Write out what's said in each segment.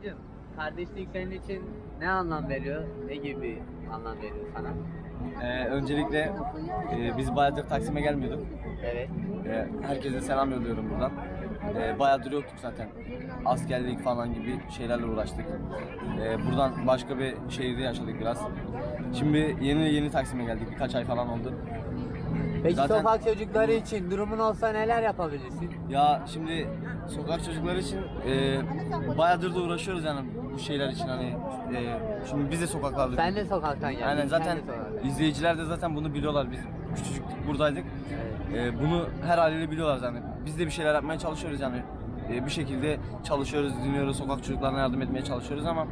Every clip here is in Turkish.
Abicim, kardeşlik senin için ne anlam veriyor? Ne gibi bir anlam veriyor sana? Öncelikle biz bayağıdır Taksim'e gelmiyorduk. Evet. Herkese selam yolluyorum buradan. Bayağıdır yoktuk zaten. Askerlik falan gibi şeylerle uğraştık. Buradan başka bir şehirde yaşadık biraz. Şimdi yeni Taksim'e geldik. Birkaç ay falan oldu. Peki Zaten- sokak çocukları için durumun olsa neler yapabilirsin? Ya şimdi sokak çocukları için bayağıdır da uğraşıyoruz yani bu şeyler için hani şimdi biz de sokaklarda. Sen de sokaktan geldin. Aynen, zaten sen de sokaktan. izleyiciler de zaten bunu biliyorlar. Biz küçücük buradaydık. Bunu her haliyle biliyorlar yani. Biz de bir şeyler yapmaya çalışıyoruz yani. Bir şekilde çalışıyoruz, dinliyoruz, sokak çocuklarına yardım etmeye çalışıyoruz ama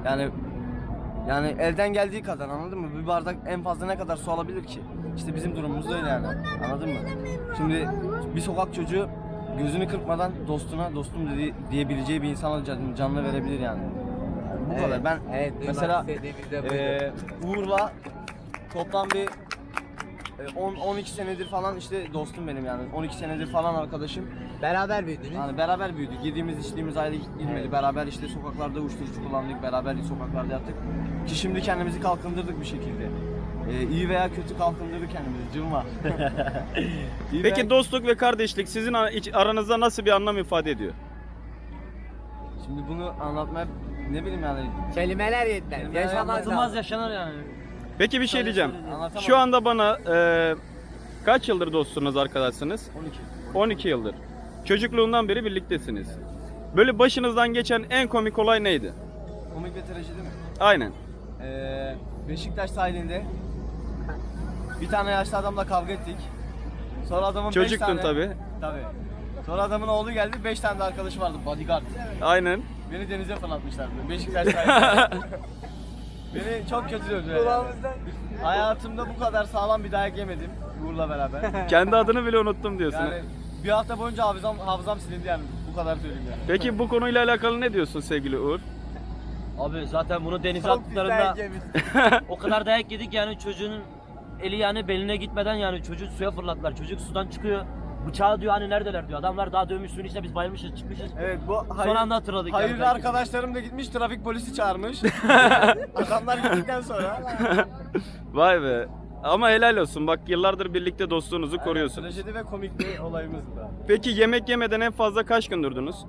yani elden geldiği kadar, anladın mı? Bir bardak en fazla ne kadar su alabilir ki? İşte bizim durumumuz da öyle yani. Anladın mı? Şimdi bir sokak çocuğu gözünü kırpmadan dostuna dostum diyebileceği bir insana canını verebilir yani. Bu Evet, kadar. Ben evet, duymak mesela istediğimiz de buydu. Uğur'la toplam bir 12 senedir falan işte dostum benim yani. 12 senedir falan arkadaşım. Beraber büyüdünüz. Yani beraber büyüdük. Yediğimiz içtiğimiz ayrı gitmedi. Evet. Beraber işte sokaklarda uyuşturucu kullandık. Beraber sokaklarda yattık. Ki şimdi kendimizi kalkındırdık bir şekilde. İyi veya kötü kalkındırdık kendimizi. Cımma. İyi Peki veya- dostluk ve kardeşlik sizin aranızda nasıl bir anlam ifade ediyor? Şimdi bunu anlatmaya ne bileyim yani. Kelimeler yetmez. Kelimeler Yaşamak anlatılmaz lazım. yaşanır yani. Peki bir şey diyeceğim. Anlatamam. Şu anda bana kaç yıldır dostsunuz, arkadaşsınız? 12. 12 yıldır. Çocukluğundan beri birliktesiniz. Böyle başınızdan geçen en komik olay neydi? Komik ve trajedi mi? Aynen. Beşiktaş sahilinde bir tane yaşlı adamla kavga ettik. Sonra adamın 5 Çocuktun tane... tabii. Tabii. Sonra adamın oğlu geldi, 5 tane de arkadaşı vardı, bodyguard. Aynen. Beni denize fırlatmışlardı. Beşiktaş sahilinde. Beni çok kötü dövdüler. Yani. Hayatımda bu kadar sağlam bir dayak yemedim Uğur'la beraber. Kendi adını bile unuttum diyorsun. Yani bir hafta boyunca hafızam silindi yani. Bu kadar söyleyeyim yani. Peki bu konuyla alakalı ne diyorsun sevgili Uğur? Abi zaten bunu denize Çok pis dayak attıklarında yemiş. o kadar dayak yedik yani çocuğun eli yani beline gitmeden yani çocuğu suya fırlattılar. Çocuk sudan çıkıyor. Bıçağı diyor hani neredeler diyor. Adamlar daha dövmüş suyun içinde biz bayılmışız çıkmışız. Evet, bu Son anda hatırladık. hayırlı yani. arkadaşlarım da gitmiş, trafik polisi çağırmış. Adamlar gittikten sonra. Vay be. Ama helal olsun. Bak yıllardır birlikte dostluğunuzu koruyorsunuz. Trajedi ve komik bir olayımız da. Peki yemek yemeden en fazla kaç gün durdunuz?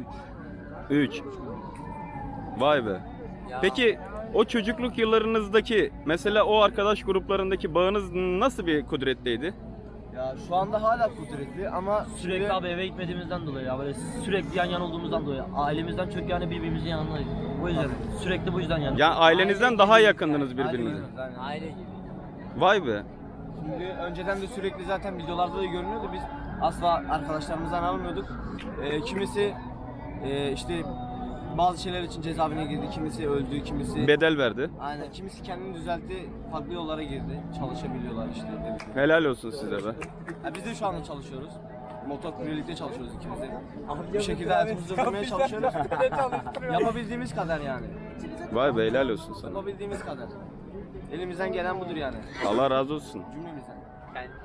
3. Vay be. Ya, Peki o çocukluk yıllarınızdaki mesela o arkadaş gruplarındaki bağınız nasıl bir kudretteydi? Ya şu anda hala kudretli ama Sürekli abi eve gitmediğimizden dolayı ya böyle sürekli yan yana olduğumuzdan dolayı ailemizden çok yani birbirimizin yanındayız. O yüzden sürekli bu yüzden yani. Ya ailenizden daha yakındınız Aile birbirinize. gibi, aynen. aile gibi. Vay be. Şimdi önceden de sürekli zaten videolarda da görünüyordu. Biz asla arkadaşlarımızdan almıyorduk. Kimisi işte bazı şeyler için cezaevine girdi, kimisi öldü, kimisi Bedel verdi. aynen, kimisi kendini düzeltti, farklı yollara girdi. Çalışabiliyorlar işte. Dedik. Helal olsun size be. Ya biz de şu anda çalışıyoruz. Motor kuryelikte çalışıyoruz ikimiz de. Bir şekilde hayatımızı sürdürmeye çalışıyoruz. Yapabildiğimiz kadar yani. Vay be, helal olsun sana. Yapabildiğimiz kadar. Elimizden gelen budur yani. Allah razı olsun. Cümlemizden. Yani